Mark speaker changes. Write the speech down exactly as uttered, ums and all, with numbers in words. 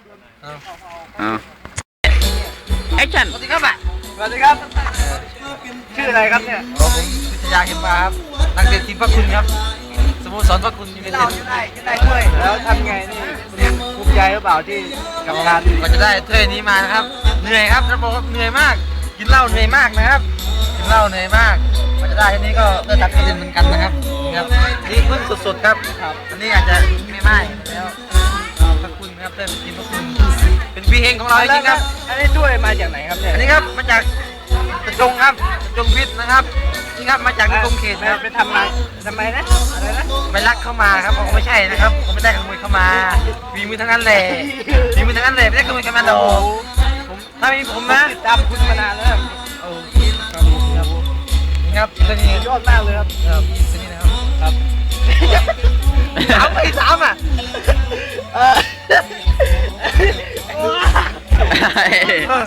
Speaker 1: เอาแอคชั่น
Speaker 2: สวัสดีครับอ่ะสวัสดีครับชื่ออะไรครับเนี่ยผมวิทยาเข็มมาครับนักเตะทีมพระคุณครับสโมสรพระคุณยูไนเต็ดได้ได้ถ้วยแล้วทำไงนี่ภูมิใจหรือเปล่าที่กับการก็จะได้ถ้วยนี้มานะครับเหนื่อยครับจะบอกว่าเหนื่อยมากกินเหล้าเหนื่อยมากนะครับกินเหล้าเหนื่อยมากมันจะได้ทีนี้ก็เลือดตัดกระเด็นเหมือนกันนะครับนี่ครับนี่เพิ่งสดๆครับอันนี้อาจจะไม่ไหม้แล้วพระคุณครับเต้นทีมพระคุณเป็นพี่เฮงของเราจริงครับอันนี้ถ้วยมาจากไหนครับเนี่ยอันนี้ครับมาจากกระจงครับกระจงพิษนะครับนี่ครับมาจากในกรมเขตครับไปทำมาทำไมนะอะไรนะไปลักเข้ามาครับเขาไม่ใช่นะครับเขาไม่ได้ขโมยเข้ามามีมือทั้งนั้นแหละมีมือทั้งนั้นแหละไม่ได้ขโมยเข้ามาหรอกผมถ้ามีผมนะติดตามคุณมานานแล้วโอ้ครับครับนี่ครับตัวนี้ยอดมากเลยครับครับตัวนี้นะครับครับสามไปสามอ่ะเออ